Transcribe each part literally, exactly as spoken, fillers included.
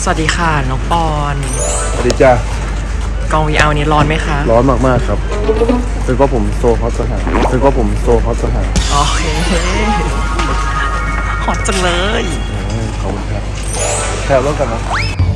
สวัสดีค่ะน้องปอนสวัสดีจ้ากอง วี อาร์ นี้ร้อนไหมคะร้อนมากๆครับเป็นเพราะผมโซฮอตสหายเป็นเพราะผมโซฮอตสหายโอเคฮอตจังเลยขอบคุณครับแถวร่วมกันนะ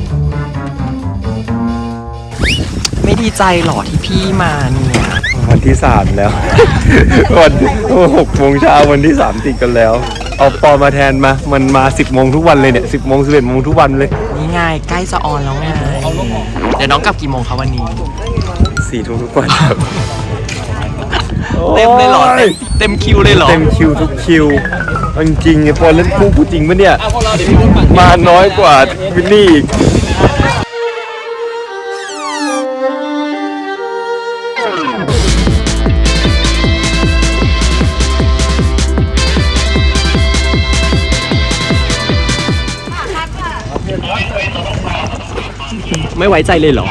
ไม่ดีใจหรอที่พี่มาเนี่ยวันที่สามแล้ววันหกโมงเช้าวันที่สามติดกันแล้วเอาปอมาแทนมามันมาสิบโมงทุกวันเลยเนี่ยสิบโมงสิบเอ็ดโมงทุกวันเลยนี่ไงใกล้จะออนแล้วไงเดี๋ยวน้องกลับกี่โมงคะวันนี้สี่ทุ่มทุกวันครับเต็มเลยหรอเต็มคิวเลยหรอเต็มคิวทุกคิวจริงๆไอ้ปอนเล่นคู่กูจริงปะเนี่ยมาน้อยกว่าวินนี่อีกไม่ไว้ใจเลยเหรอ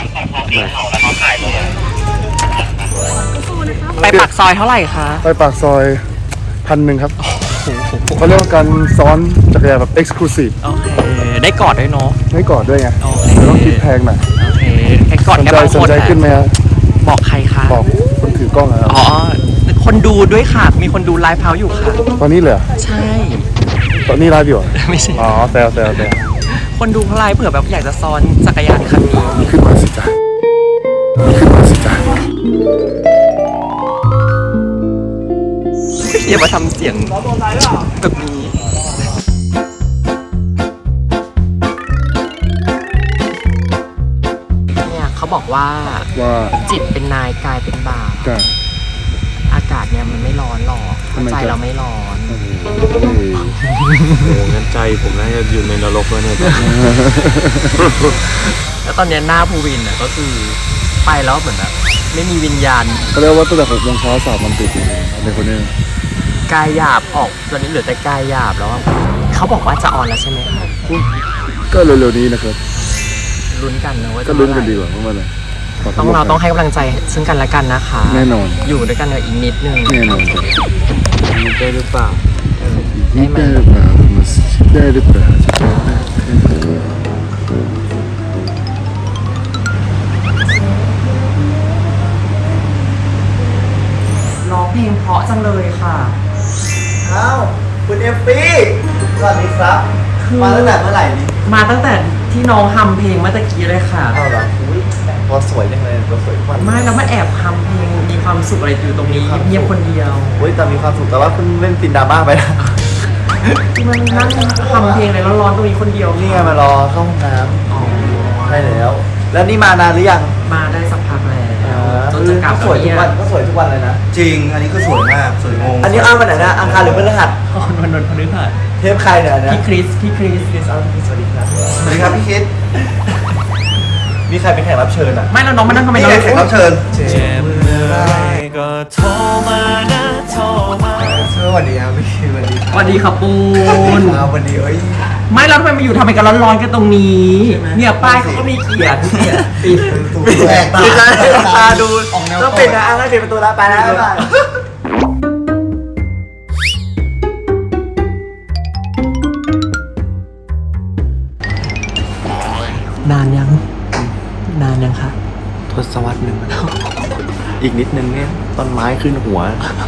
ไปปากซอยเท่าไหร่คะไปปากซอยพันหนึ่งครับเขาเรียกว่าการซ้อนจักรยานแบบเอ็กซ์คลูซีฟโอเคได้กอดด้วยเนาะได้กอดด้วยไงแต่ต้องคิดแพงหน่อยโอเคแค่กอดแค่บางคนสนใจขึ้นไหมครับบอกใครคะบอกคนถือกล้องครับอ๋อคนดูด้วยค่ะมีคนดูไลฟ์เฮาส์อยู่ค่ะตอนนี้เลยใช่ตอนนี้ไลฟ์อยู่ไม่ใช่อ๋อแซวแซวแซวคนดูเขาไลฟ์เผื่อแบบอยากจะซ้อนจักรยานคันนี้ขึ้นมาสิจ้ะขึ้นมาสิจ้ะอย่ามาทำเสียงแบบนี้เนี่ยเขาบอกว่าว่าจิตเป็นนายกายเป็นบ่าวอากาศเนี่ยมันไม่ร้อนหรอกใจเราไม่ร้อนโอ้งั้นใจผมน่าจะอยู่ในนรกแล้วเนี่ยแล้วตอนนี้หน้าภูวินเนี่ยก็คือไปแล้วเหมือนแบบไม่มีวิญญาณเขาเรียกว่าตั้งแต่หกโมงเช้าสามวันติดเลยในคนนี้กายหยาบออกตอนนี้เหลือแต่กายหยาบแล้วเขาบอกว่าจะออนแล้วใช่ไหมครับก็เร็วๆนี้นะครับลุ้นกันนะว่าก็ลุ้นกันดีกว่าเพราะว่าอะไรต้องเราต้องให้กำลังใจซึ่งกันและกันนะคะแน่นอนอยู่ด้วยกันอีกนิดนึงแน่นอนได้หรือเปล่าได้ไหมได้หรือเปล่าร้องเพลงเพราะจังเลยค่ะอ้าวคุณเอฟฟี่สวัสดีครับมาตั้งแต่เมื่อไหร่นี่มาตั้งแต่ที่น้องฮัมเพลงเมื่อตะกี้เลยค่ะอ้าวเหรออุ้ยตัวสวยจังเลยตัวสวยทุกวันไม่แล้วมาแอบฮัมเพลงมีความสุขอะไรอยู่ตรงนี้เงียบคนเดียวอุ้ยแต่มีความสุขแต่ว่าเพิ่งเล่นซินดราม่าไปนะที่มันนั่งฮัมเพลงอะไรร้อนๆตรงนี้คนเดียวนี่ไงมารอเข้าห้องน้ำใช่แล้วแล้วนี่มานานหรือยังมาได้สักพักแล้วจนจะกลับก็สวยทุกวันก็สวยทุกวันเลยนะจริงอันนี้ก็สวยมากสวยงงอันนี้อ้าววันไหนนะอังคารหรือพฤหัสวันวันพฤหัสเทปใครเนี่ยนะพี่คริสพี่คริสคริสอ้าวพี่สวัสดีครับสวัสดีครับพี่คริสมีใครเป็นแขกรับเชิญอ่ะไม่แล้วน้องมานั่งทำไมน้องแขกรับเชิญเจ็บเมื่อไรก็โทรมานะโทรมาสวัสดีครับพี่สวัสดีสวัสดีครับปูนครับวันนี้เอ้ยไม่แล้วทำไมมาอยู่ทำไมกันร้อนๆกันตรงนี้เนี่ยป้ายเขาก็มีเขียนปิดแปลกตาตาดูต้องปิดนะให้ปิดประตูแล้วไปแล้วไปนานยังนานยังคะทศวรรษหนึ่งอีกนิดนึงเนี่ยต้นไม้ขึ้นหัว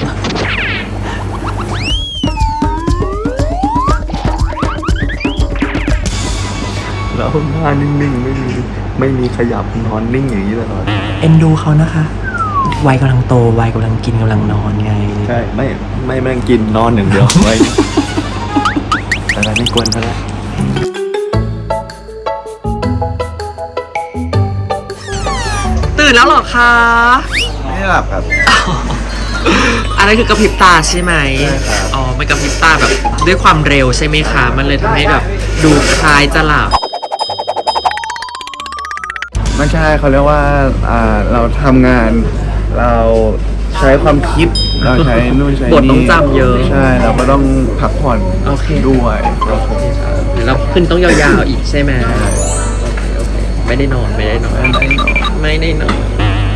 แล้วหน้านิ่งๆไม่มีไม่มีขยับนอนนิ่งอย่างนี้ตลอดเอ็นดูเขานะคะวัยกำลังโตวัยกำลังกินกำลังนอนไงใช่ไม่ไม่ไม่กินนอนหนึ่งเดียวไว้แต่ไม่กวนเขาแล้วตื่นแล้วหรอคะไม่หลับครับอันนั้นคือกระพริบตาใช่ไหมอ๋อมันกระพริบตาแบบด้วยความเร็วใช่ไหมคะมันเลยทำให้แบบดูคล้ายจะหลับไม่ใช่เขาเรียกว่าอ่าเราทำงานเราใช้ความคิดเราใช้นู่นใช้นี่บทต้องจำเยอะใช่เราก็ต้องพักผ่อนด้วยแล้วขึ้นต้องยาวๆอีกใช่ไหมไม่ได้นอนไม่ได้นอนไม่ได้นอน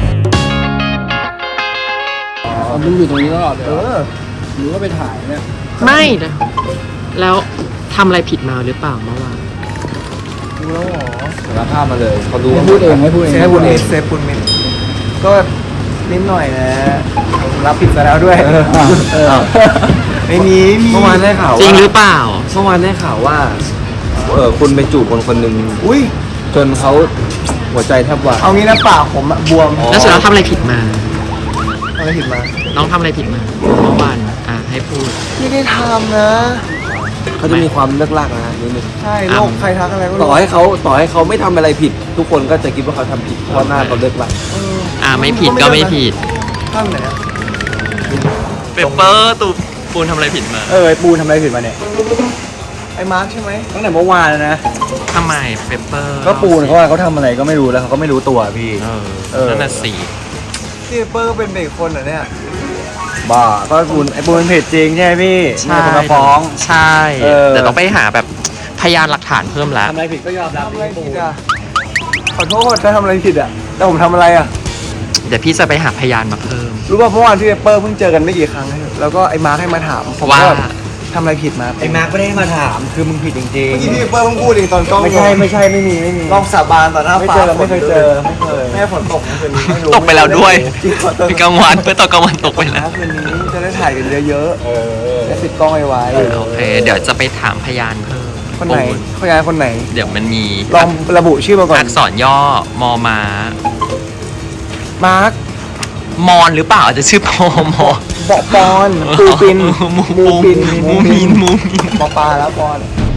มึงอยู่ตรงนี้ตลอดเลยหรือว่าไปถ่ายเนี่ยไม่นะแล้วทำอะไรผิดมาหรือเปล่าเมื่อวานดูแล้วหรอสารภาพมาเลยเขารู้ไม่พูดเองไม่พูดเองเซฟบุญมิตรเซฟบุญมิตรก็นิดหน่อยนะผมรับผิดซะแล้วด้วยเออไม่มีไม่มีเมื่อวานได้ข่าวจริงว่าหรือเปล่าเมื่อวานได้ข่าวว่าเออคุณไปจูบคนคนหนึ่งอุ้ยจนเขาหัวใจแทบวายเอางี้นะปากผมอะบวมแล้วสุดแล้วทำอะไรผิดมาอะไรผิดมาน้องทำอะไรผิดมาเมื่อวานอ่ะให้พูดไม่ได้ทำนะเขาจะมีความเลิกลากนะนิดนึงใช่โรคใครทักอะไรก็ต่อให้เขาต่อให้เขาไม่ทำอะไรผิด ทุกคนก็จะคิดว่าเขาทำผิดเพราะหน้าเขาเลิกลากอ่ะไม่ผิดก็ไม่ผิดข้างไหนอะเปเปอร์ตูปูนทำอะไรผิดมาเออไอ้ปูนทำอะไรผิดมาเนี่ยไอ้มาร์คใช่ไหมตั้งแต่เมื่อวานแล้วนะทำไมเปเปอร์ก็ปูนเขาว่าเขาทำอะไรก็ไม่รู้แล้วเขาก็ไม่รู้ตัวพี่เออเออนั่นน่ะสิที่เปอร์ก็เป็นเด็กคนเหรอเนี่ยบ้าก็ปูนไอ้ปูนเป็นเพจจริงใช่ไหมพี่ใช่มีคนมาฟ้องใช่เออแต่ต้องไปหาแบบพยานหลักฐานเพิ่มแล้วทำอะไรผิดก็ยอมรับทำอะไรผิดอ่ะขอโทษถ้าทำอะไรผิดอ่ะแต่ผมทำอะไรอ่ะเดี๋ยวพี่จะไปหาพยานมาเพิ่มรู้ป่ะเมื่อวานที่เปอร์เพิ่งเจอกันไม่กี่ครั้งแล้วก็ไอ้มาร์คให้มาถามผมว่าก็แบบทำอะไรผิดมาไอ้มาร์คไม่ได้มาถามคือมึงผิดจริงเมื่อกี้ที่เปอร์เพิ่งพูดเองตอนกล้องๆไม่ใช่ไม่ใช่ไม่มีไม่มีลองสาบานต่อหน้าไม่ฟ้าเจอไม่เคยเจอไม่เคยแม่ฝนตกเมื่อคืนนี้ไม่รู้ตกไปแล้วด้วยจริงขอโทษพี่กลางวันเพื่อตอนกลางวันตกไปแล้วคืนนี้จะได้ถ่ายกันเยอะเออๆจะติดกล้องไว้โอเค เดี๋ยวจะไปถามพยานเพิ่มคนไหนปูคนไหนคนไหนเดี๋ยวมันมีลองระบุชื่อมาก่อนอักษรย่อมอมามาร์คมอนหรือเปล่าอาจจะชื่อพอมอบอกปอนปูปินมูมูปินมูมินมูมินปอปลาแล้วปอน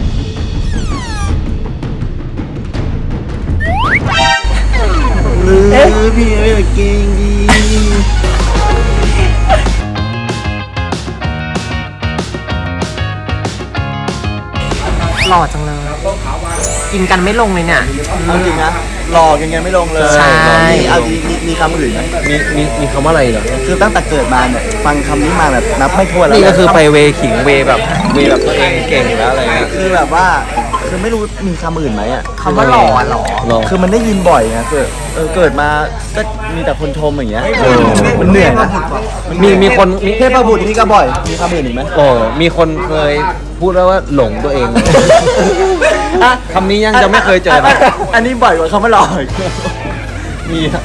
เอ๊ะพี่เอ๋เก่งดีหล่อจังเลย กินกันไม่ลงเลยเนี่ยเอาจริงนะหลอกยังไงไม่ลงเลยใช่มีเอาจริงมีมีคำอื่นไหมมีมีมีคำว่าอะไรเหรอคือตั้งแต่เกิดมาเนี่ยฟังคำนี้มาแบบนับไม่ถ้วนแล้วนี่ก็คือไปเวขิงเวแบบเวแบบตัวเองเก่งแล้วอะไรเงี้ยคือแบบว่าคือไม่รู้มีคำอื่นไหมอ่ะคำว่าหล่ออะหล่อหล่อคือมันได้ยินบ่อยไงคือเออเกิดมาก็มีแต่คนชมอย่างเงี้ยเออมันเหนื่อยนะมีมีคนมีเทพบุตรนี่ก็บ่อย มีคำอื่นอีกไหมโอ้มีคนเคยพูดแล้วว่าหลงตัวเองอ่ะคำนี้ยังจะไม่เคยเจอนะอันนี้บ่อยกว่าคำว่าหลอกอีกมีอะ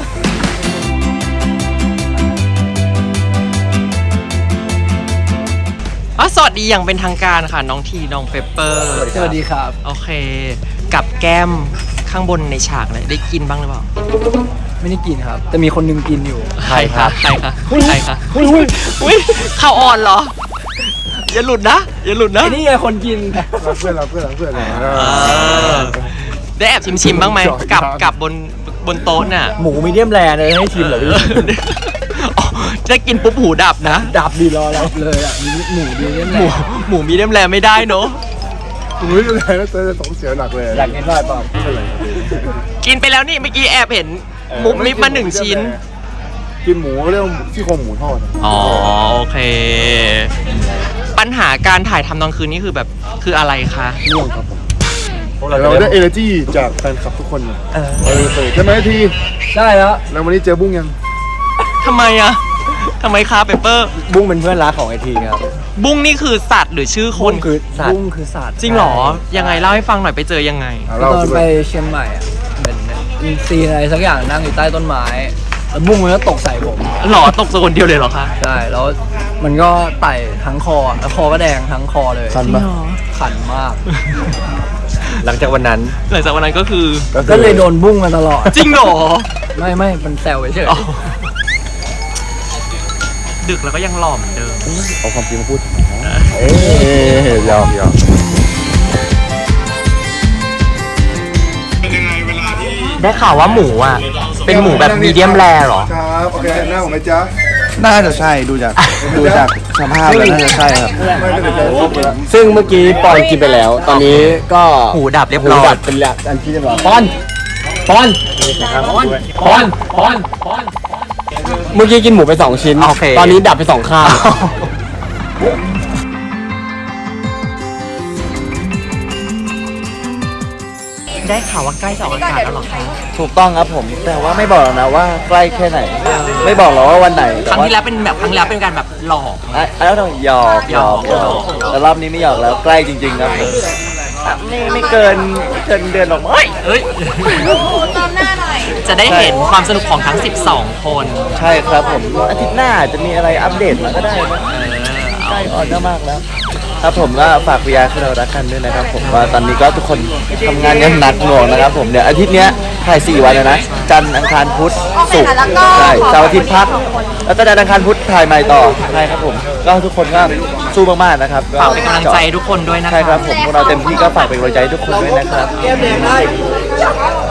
อ๋อสวัสดีอย่างเป็นทางการค่ะ น้องทีน้องเปเปอร์สวัสดีครับโอเค กับแก้มข้างบนในฉากเลยได้กินบ้างหรือเปล่าไม่ได้กินครับ แต่มีคนนึงกินอยู่ใครคะใครคะใครคะอุ้ยอุ้ยข้าวอ่อนเหรอ อย่าหลุดนะ อย่าหลุดนะไอ้นี่ไงคนกินเราเพื่อนเราเพื่อนเราเพื่อนเออได้แอบชิมชิมๆบ้างไหมกับกับบนบนโต๊ะน่ะหมูมีเดียมแรร์เลยให้ชิมเหรอพี่อ๋อจะกินปุ๊บหูดับนะดับดีรอแล้วเลยอ่ะมีหมูมีเดียมหแรมูร์หมูมีเดียมแรร์ไม่ได้เนอะอุ้ยอะไรแล้วเจอสองเสียหนักเลยอยากกินด้วยเปล่ากินไปแล้วนี่เมื่อกี้แอบเห็นมุกมิบมาหนึ่งชิ้นกินหมูเรื่องซี่โครงหมูทอดอ๋อโอเค ปัญหาการถ่ายทำตอนคืนนี่คือแบบคืออะไรคะง่วงครับผมเราได้เอเนอร์จีจากแฟนคลับทุกคนเออเออใช่ไหมทีได้แล้วแล้ววันนี้เจอบุ้งยังทำไมอะทำไมคะเปเปอร์บุ้งเป็นเพื่อนรักของไอทีครับบุ้งนี่คือสัตว์หรือชื่อคบุ้นงคือสัตว์บุ้งคือสัตว์จริงเหรอ ยังไงเล่าให้ฟังหน่อยไปเจอยังไงอ่ะตเราอนไปเชียงใหม่อ่ะเหมือนมีซีนอะไรสักอย่างนั่งอยู่ใต้ต้นไม้แล้วบุ้งมันก็ตกใส่ผมหรอตกสกคนเดียวเลยเหรอคะใช่แล้วมันก็ไต่ทั้งคอแล้วคอก็แดงทั้งคอเลยคันปะขันมากหลังจากวันนั้นหลังจากวันนั้นก็คือก็เลยโดนบุ้งมาตลอดจริงเหรอไม่ไม่มันแซวเฉยอ๋อดึกแล้วก็ยังหล่อเหมือนเดิมเอาความจริงมาพูดเอ๊ะยาวยาวได้ข่าวว่าหมูอ่ะ เป็นหมูแบบมีเดียมแรร์เหรอครับโอเคหน้าผมไหมจ๊ะน่าจะใช่ดูจากดูจากสภาพแล้วน่าจะใช่ครับไม่ก็เดี๋ยวจะครบไปแล้วซึ่งเมื่อกี้ปอนกินไปแล้ว ตอนนี้ก็หูดับเรียบร้อยหูดับเป็นแล้วอันที่เรียบร้อยปอนปอนปอนปอนปอนปอนเมื่อกี้กินหมูไปสองชิ้นโอเคตอนนี้ดับไปสองข้างได้ข่าวว่าใกล้จะออกอากาศแล้วเหรอคะถูกต้องครับผม แต่ว่าไม่บอกหรอกนะว่าใกล้แค่ไหน ไม่บอกหรอกว่าวันไหนครั้งที่แล้วเป็นแบบครั้งที่แล้วเป็นการแบบหลอกอ่ะแล้วต้องหยอกหยอกหยอกแต่รอบนี้ไม่หยอกแล้วใกล้จริงๆครับผมไม่ไม่เกินไม่เกินเดือนหรอกเอ้ยเอ้ยตามหน้าหน่อยจะได้เห็นความสนุกของทั้ง สิบสอง คนใช่ครับผมอาทิตย์หน้าจะมีอะไรอัปเดตมาก็ได้นะใกล้ออนมากแล้วครับผมก็ฝากวิยาคือเรารักกันด้วยนะครับผมว่าตอนนี้ก็ทุกคนทำงานกันหนักหน่วงนะครับผมเดี๋ยวอาทิตย์เนี้ยถ่ายสี่วันเลยนะจันทร์อังคารพุธศุกร์ใช่เสาร์อาทิตย์พักแล้วก็จันทร์อังคารพุธถ่ายใหม่ต่อใช่ครับผมก็ทุกคนก็สู้มากๆนะครับฝากเป็นกำลังใจให้ทุกคนด้วยนะคะใช่ครับผมพวกเราเต็มที่ก็ฝากเป็นกำลังใจให้ทุกคนด้วยนะครับ